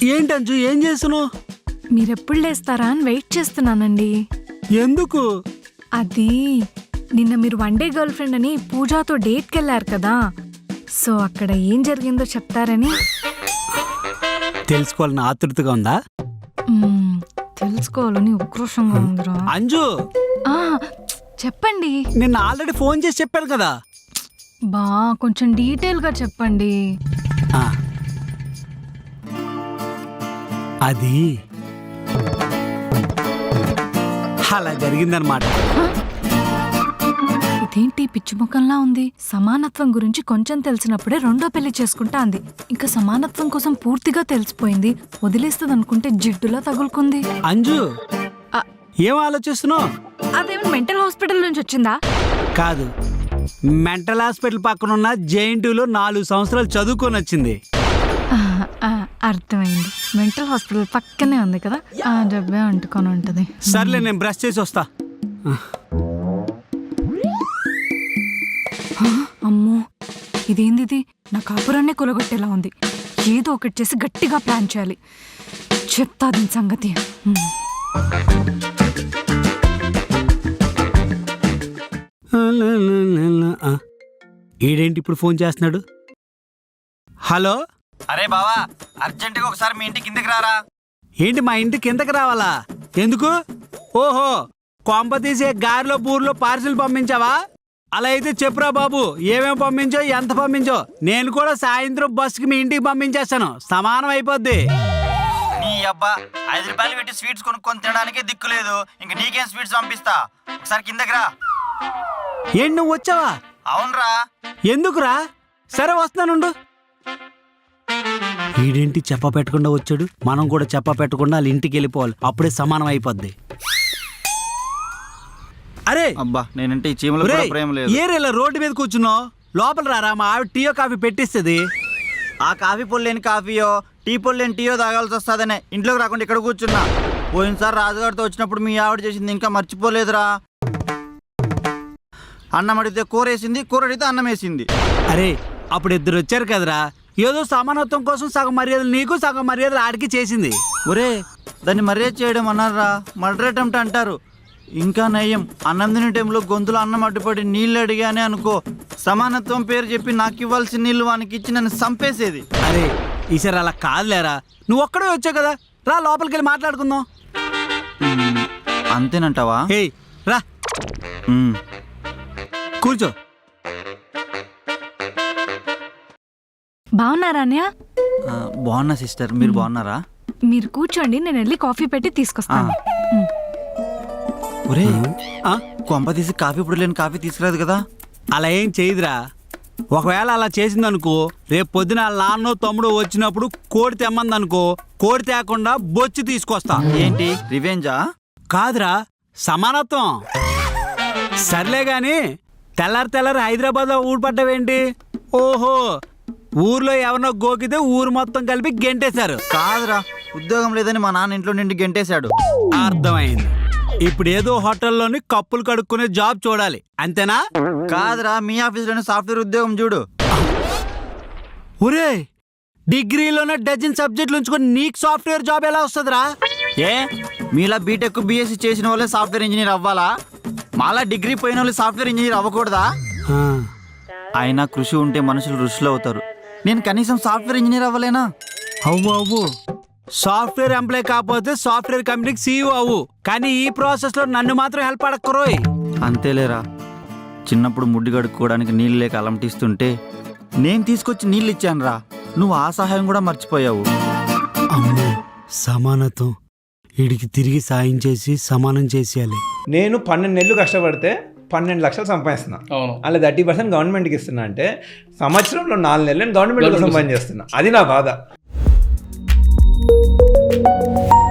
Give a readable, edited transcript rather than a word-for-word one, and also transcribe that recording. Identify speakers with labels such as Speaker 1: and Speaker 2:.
Speaker 1: ఏంటి అంజు, ఏం చేస్తున్నావు?
Speaker 2: మీరెప్పుడు లేస్తారా అని వెయిట్ చేస్తున్నానండి.
Speaker 1: ఎందుకు?
Speaker 2: అది నిన్న మీరు వన్ డే గర్ల్ ఫ్రెండ్ అని పూజాతో డేట్కి వెళ్ళారు కదా, సో అక్కడ ఏం జరిగిందో చెప్తారని.
Speaker 1: తెలుసుకోవాలని ఆతృతగా ఉందా?
Speaker 2: తెలుసుకోవాలని ఉక్రోషంగా ఉందిరా.
Speaker 1: అంజు
Speaker 2: చెప్పండి.
Speaker 1: నిన్న ఆల్రెడీ ఫోన్ చేసి చెప్పాను కదా.
Speaker 2: బా కొంచెం డీటెయిల్గా చెప్పండి.
Speaker 1: అది అలా జరిగిందనమాట.
Speaker 2: ఇదేంటి పిచ్చి ముఖంలా ఉంది? సమానత్వం గురించి కొంచెం తెలిసినప్పుడే రెండో పెళ్లి చేసుకుంటా అంది. ఇంకా సమానత్వం కోసం పూర్తిగా తెలిసిపోయింది. వదిలేస్తుంది అనుకుంటే జిడ్డులా తగులుకుంది.
Speaker 1: అంజు ఏం ఆలోచిస్తున్నావు?
Speaker 2: అదేమో మెంటల్ హాస్పిటల్ నుంచి వచ్చిందా?
Speaker 1: కాదు, మెంటల్ హాస్పిటల్ పక్కన ఉన్న జేఎన్టీయూలో 4 సంవత్సరాలు చదువుకొని వచ్చింది.
Speaker 2: అర్థమైంది. మెంటల్ హాస్పిటల్ పక్కనే ఉంది కదా, ఆ డబ్బే అంటుకొని ఉంటది.
Speaker 1: సర్లే, నేను బ్రష్ చేసి వస్తా.
Speaker 2: అమ్మో, ఇదేంది? నా కాపురాన్నే కొలగొట్టేలా ఉంది. ఏదో ఒకటి చేసి గట్టిగా ప్లాన్ చేయాలి. చెప్తా దీని సంగతి.
Speaker 1: ఈడేంటి ఇప్పుడు ఫోన్ చేస్తున్నాడు? హలో.
Speaker 3: అరే బావా, అర్జెంటుగా ఒకసారి మీ ఇంటికి కిందకి రారా.
Speaker 1: ఏంటి మా ఇంటి కిందకి రావాలా? ఎందుకు? ఓహో, కొంప తీసే గారిలో బూర్లో పార్సిల్ పంపించావా? అలా అయితే చెప్పురా బాబు, ఏమేమి పంపించో, ఎంత పంపించో. నేను కూడా సాయంత్రం బస్సుకి మీ ఇంటికి పంపించేస్తాను, సమానం అయిపోద్ది.
Speaker 3: నీ అబ్బా, 5 రూపాయలు పెట్టి స్వీట్స్ కొనుక్కొని తినడానికే దిక్కు లేదు, ఇంక నీకేం స్వీట్స్ పంపిస్తా. ఒకసారి కిందకి రా.
Speaker 1: ఏంటి, నువ్వు వచ్చావా?
Speaker 3: అవునరా.
Speaker 1: ఎందుకురా? సరే వస్తానుండు. వీడేంటి చెప్ప పెట్టకుండా వచ్చాడు? మనం కూడా చెప్ప పెట్టకుండా వాళ్ళ ఇంటికి వెళ్ళిపోవాలి, అప్పుడే సమానం అయిపోద్ది. అరే
Speaker 3: అబ్బా, నేనంటే ఈ చీమలో కూడా ప్రేమ లేదు.
Speaker 1: ఏరేలా రోడ్డు మీద కూర్చున్నావు? లోపల రారా, మా ఆవిడ టీయో కాఫీ పెట్టిస్తుంది.
Speaker 3: ఆ కాఫీ పొడి లేని కాఫీయో, టీ పొడి లేని టీయో తాగాల్సి వస్తుందనే ఇంట్లోకి రాకుండా ఇక్కడ కూర్చున్నా. పోయినసారి రాజుగారితో వచ్చినప్పుడు మీ ఆవిడ చేసింది ఇంకా మర్చిపోలేదురా. అన్నం అడిగితే కూర వేసింది, కూర అడిగితే అన్నం వేసింది.
Speaker 1: అరే అప్పుడు ఇద్దరు వచ్చారు కదరా, ఏదో సమానత్వం కోసం సగం మర్యాదలు నీకు, సగం మర్యాదలు ఆడికి చేసింది.
Speaker 3: ఒరే, దాన్ని మర్యాద చేయడం అన్నారా, మర్డర్ అటెంప్ట్ అంటారు. ఇంకా నయం, అన్నం తినే టైంలో గొంతులో అన్నం అడ్డుపడి నీళ్ళు అడిగానే అనుకో, సమానత్వం పేరు చెప్పి నాకు ఇవ్వాల్సిన నీళ్ళు వానికి ఇచ్చి నన్ను చంపేసేది.
Speaker 1: అరే ఈసారి అలా కాదులేరా, నువ్వు ఒక్కడే వచ్చావు కదా, రా లోపలికి వెళ్ళి మాట్లాడుకుందాం.
Speaker 3: అంతేనంటావా?
Speaker 1: హే రా, కూర్చో.
Speaker 2: బాగున్నారా అన్నయ్య?
Speaker 3: బాగున్నా సిస్టర్, మీరు బాగున్నారా?
Speaker 2: మీరు కూర్చోండి, నేను వెళ్ళి కాఫీ పెట్టి తీసుకొస్తాను.
Speaker 3: ఒరే, కొంప తీసి కాఫీ పొడి లేని కాఫీ తీసుకురాదు కదా?
Speaker 1: అలా ఏం చేయదురా. ఒకవేళ అలా చేసిందనుకో, రేపు పొద్దున వాళ్ళ నాన్నో తమ్ముడు వచ్చినప్పుడు కోడి తెమ్మందనుకో, కోడి తేకుండా బొచ్చి తీసుకొస్తా.
Speaker 3: ఏంటి రివెంజా?
Speaker 1: కాదురా, సమానత్వం. సర్లే గాని తెల్లారి హైదరాబాద్లో ఊడిపడ్డావేంటి? ఓహో, ఊర్లో ఎవరినో గోకితే ఊరు మొత్తం కలిపి గెంటేశారు.
Speaker 3: కాదురా, ఉద్యోగం లేదని మా నాన్న ఇంట్లో నుండి గెంటేశాడు.
Speaker 1: అర్థమైంది. ఇప్పుడు ఏదో హోటల్లోని కప్పులు కడుక్కునే జాబ్ చూడాలి, అంతేనా?
Speaker 3: కాదురా, మీ ఆఫీస్లోనే సాఫ్ట్వేర్ ఉద్యోగం చూడు.
Speaker 1: ఒరే, డిగ్రీలోనే డజన్ సబ్జెక్టులు ఉంచుకొని నీకు సాఫ్ట్వేర్ జాబ్ ఎలా వస్తుందిరా?
Speaker 3: ఏ, మీలా బీటెక్ బీఎస్సీ చేసిన వాళ్ళే సాఫ్ట్వేర్ ఇంజనీర్ అవ్వాలా? మాలా డిగ్రీ పోయిన వాళ్ళు సాఫ్ట్వేర్ ఇంజనీర్ అవ్వకూడదా? అయినా కృషి ఉంటే మనుషులు ఋషులు అవుతారు. నేను కనీసం సాఫ్ట్వేర్ ఇంజనీర్ అవ్వలేనా?
Speaker 1: అవ్వు. సాఫ్ట్వేర్ ఎంప్లాయ్ కాకపోతే సాఫ్ట్వేర్ కంపెనీకి సీఈఓ అవ్వు, కానీ ఈ ప్రాసెస్ లో నన్ను మాత్రం హెల్ప్ అడక్కరోయ్.
Speaker 3: అంతేలేరా, చిన్నప్పుడు ముడ్డి కడుక్కోవడానికి నీళ్ళు లేక అలంటిస్తుంటే నేను తీసుకొచ్చి నీళ్ళు ఇచ్చాను రా, నువ్వు ఆ సహాయం కూడా మర్చిపోయావు.
Speaker 1: అమ్మో, సమానత్వం. వీడికి తిరిగి సాయం చేసి సమానం చేసేయాలి.
Speaker 4: నేను 12 నెలలు కష్టపడితే 12 లక్షలు సంపాదిస్తున్నా. అలా 30% గవర్నమెంట్కి ఇస్తున్నా అంటే సంవత్సరంలో 4 నెలలు గవర్నమెంట్ కోసం పని చేస్తున్నా. అది నా బాధ.